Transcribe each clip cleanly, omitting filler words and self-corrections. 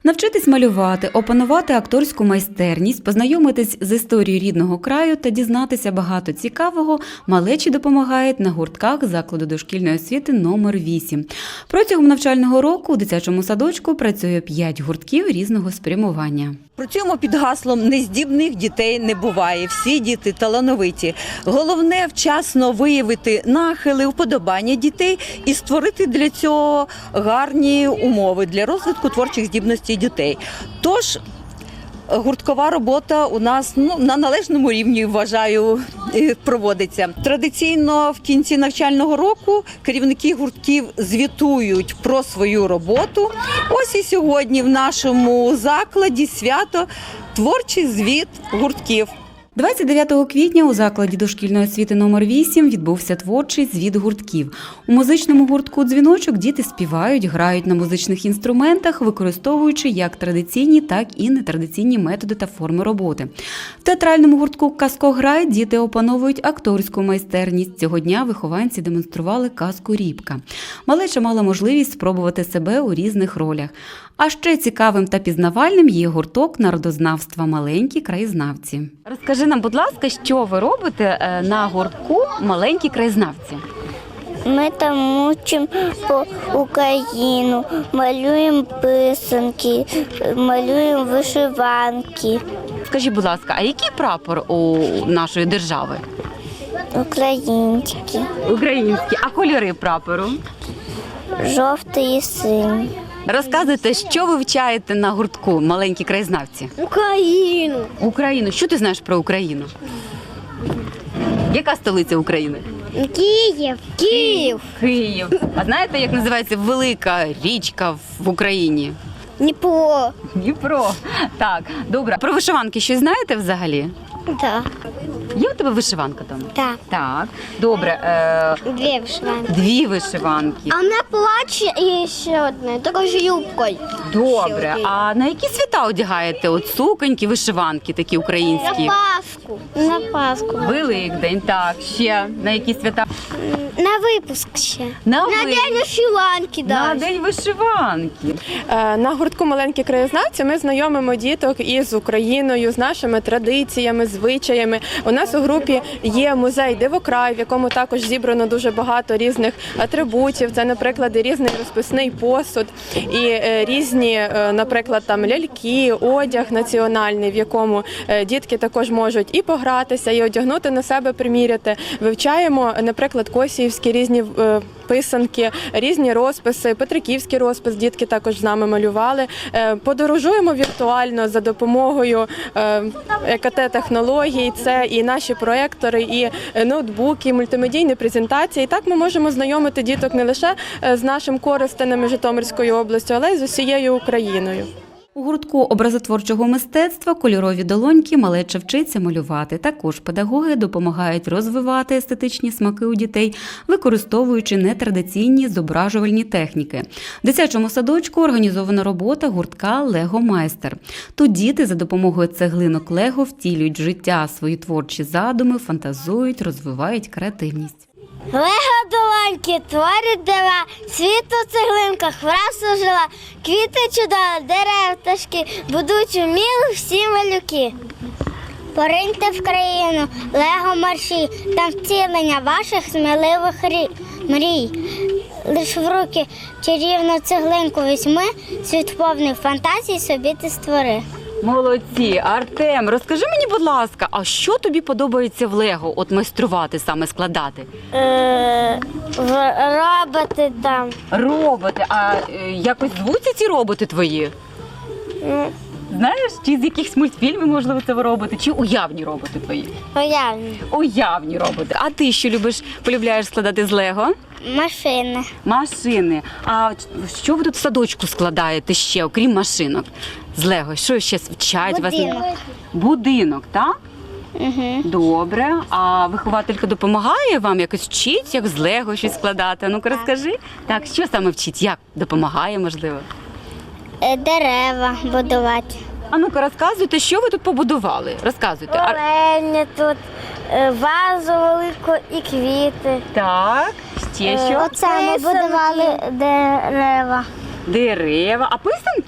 Навчитись малювати, опанувати акторську майстерність, познайомитись з історією рідного краю та дізнатися багато цікавого малечі допомагають на гуртках закладу дошкільної освіти номер 8. Протягом навчального року у дитячому садочку працює 5 гуртків різного спрямування. Працюємо під гаслом «Нездібних дітей не буває, всі діти талановиті». Головне – вчасно виявити нахили, вподобання дітей і створити для цього гарні умови для розвитку творчих здібностей дітей. Тож, гурткова робота у нас на належному рівні, вважаю, проводиться. Традиційно в кінці навчального року керівники гуртків звітують про свою роботу. Ось і сьогодні в нашому закладі свято «Творчий звіт гуртків». 29 квітня у закладі дошкільної освіти номер 8 відбувся творчий звіт гуртків. У музичному гуртку «Дзвіночок» діти співають, грають на музичних інструментах, використовуючи як традиційні, так і нетрадиційні методи та форми роботи. В театральному гуртку «Казкограй» діти опановують акторську майстерність. Цього дня вихованці демонстрували казку «Рібка». Малеча мала можливість спробувати себе у різних ролях. А ще цікавим та пізнавальним є гурток народознавства «Маленькі краєзнавці». Розкажи нам, будь ласка, що ви робите на гуртку «Маленькі краєзнавці»? Ми там учимо по Україну, малюємо писанки, малюємо вишиванки. Скажіть, будь ласка, а який прапор у нашої держави? Українські, Український. А кольори прапору? жовтий і синій. Розказуйте, що ви вчаєте на гуртку «Маленькі краєзнавці»? Україну. Україну. Що ти знаєш про Україну? Яка столиця України? Київ. Київ. Київ. А знаєте, як називається велика річка в Україні? Дніпро. Дніпро. Так, добре. Про вишиванки щось знаєте взагалі? Так. Є у тебе вишиванка там? Так. Так. Добре. Дві вишиванки. 2 вишиванки. А мене плаче і ще одне, також юбкою. Добре. А на які свята одягаєте? От суконьки, вишиванки такі українські? Пасху. На Пасху. Великдень, так. Ще на які свята? На випуск ще. На день вишиванки, На день вишиванки. На гуртку «Маленькі краєзнавці» ми знайомимо діток із Україною, з нашими традиціями, звичаями. У нас у групі є музей «Дивокрай», в якому також зібрано дуже багато різних атрибутів. Це, наприклад, і різний розписний посуд, і різні, наприклад, там ляльки, одяг національний, в якому дітки також можуть і погратися, і одягнути на себе, приміряти. Вивчаємо, наприклад, косіївські різні писанки, різні розписи, петриківський розпис дітки також з нами малювали. Подорожуємо віртуально за допомогою ЕКТ-технологій. Це і наші проєктори, і ноутбуки, і мультимедійні презентації. І так ми можемо знайомити діток не лише з нашим Коростенем і Житомирською областю, але й з усією Україною. У гуртку образотворчого мистецтва «Кольорові долоньки» малеча вчиться малювати. Також педагоги допомагають розвивати естетичні смаки у дітей, використовуючи нетрадиційні зображувальні техніки. В дитячому садочку організована робота гуртка «Лего-майстер». Тут діти за допомогою цеглинок Лего втілюють в життя свої творчі задуми, фантазують, розвивають креативність. Лего-долоньки творять дива, світ у цеглинках враз ожила, квіти чудові, дерев, пташки, будуть уміли всі малюки. Пориньте в країну, Лего-марші, там втілення ваших сміливих мрій. Лиш в руки чарівну цеглинку візьми, світ повний фантазій собі ти створи. Молодці! Артем, розкажи мені, будь ласка, а що тобі подобається в Лего, от майструвати, саме складати? Роботи там. Роботи. А якось звуться ці роботи твої? Знаєш, чи з якихось мультфільмів, можливо, це ви робите, чи уявні роботи твої? Уявні. Уявні роботи. А ти що полюбляєш складати з Лего? Машини. Машини. А що ви тут в садочку складаєте ще, окрім машинок? З Лего, що ще вчать вас? Будинок, так? Угу. Добре. А вихователька допомагає вам якось вчить, як з Лего щось складати? Ну-ка розкажи. Так, що саме вчить? Як допомагає, можливо? Дерева будувати. А ну-ка розказуйте, що ви тут побудували? Розказуйте. Оленя тут, вазу велику і квіти. Так, ще що? Оце ми будували дерева. Дерева. А писанки?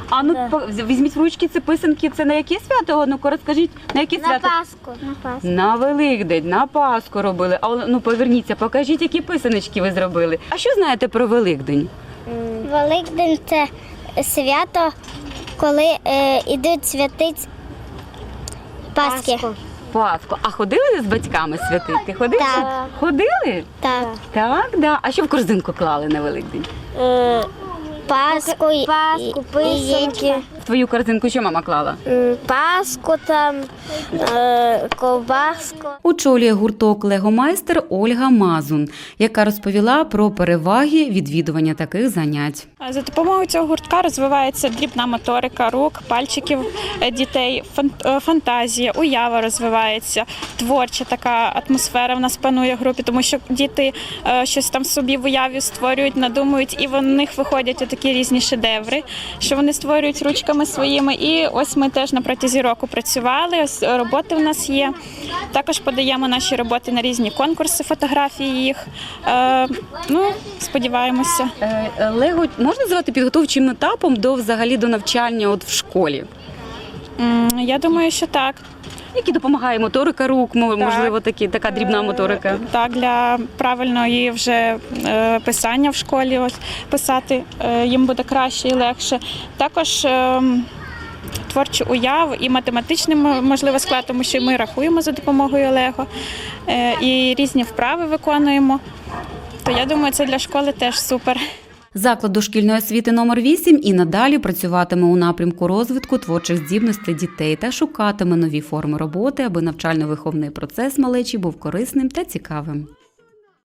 А ну візьміть в ручки ці писанки. Це на яке свято? Ну-ка розкажіть, на яке На свято? Пасху. На Пасху. На Великдень, на Пасху робили. А ну поверніться, покажіть, які писаночки ви зробили. А що знаєте про Великдень? Великдень – це свято, коли йдуть святить Пасхи. Пасху. А ходили з батьками святити? Ходили? Так. Ходили? Так. Так, да. А що в корзинку клали на Великдень? Пасху, писанки. В твою корзинку що мама клала? Пасху там, ковбаску. Очолює гурток «Легомайстер» Ольга Мазун, яка розповіла про переваги відвідування таких занять. За допомогою цього гуртка розвивається дрібна моторика рук, пальчиків дітей, фантазія, уява розвивається, творча така атмосфера в нас панує в групі, тому що діти щось там собі в уяві створюють, надумують, і в них виходять такі різні шедеври, що вони створюють ручками своїми. І ось ми теж на протязі року працювали, ось роботи в нас є. Також подаємо наші роботи на різні конкурси, фотографії їх. Сподіваємося. Лего можна назвати підготовчим етапом до навчання в школі? Я думаю, що так. Які допомагає моторика рук, можливо, така дрібна моторика? Так, для правильної вже писання в школі писати їм буде краще і легше. Також творчу уяву і математичний, можливо, склад, тому що ми рахуємо за допомогою Лего і різні вправи виконуємо. То я думаю, це для школи теж супер. Заклад дошкільної освіти номер 8 і надалі працюватиме у напрямку розвитку творчих здібностей дітей та шукатиме нові форми роботи, аби навчально-виховний процес малечі був корисним та цікавим.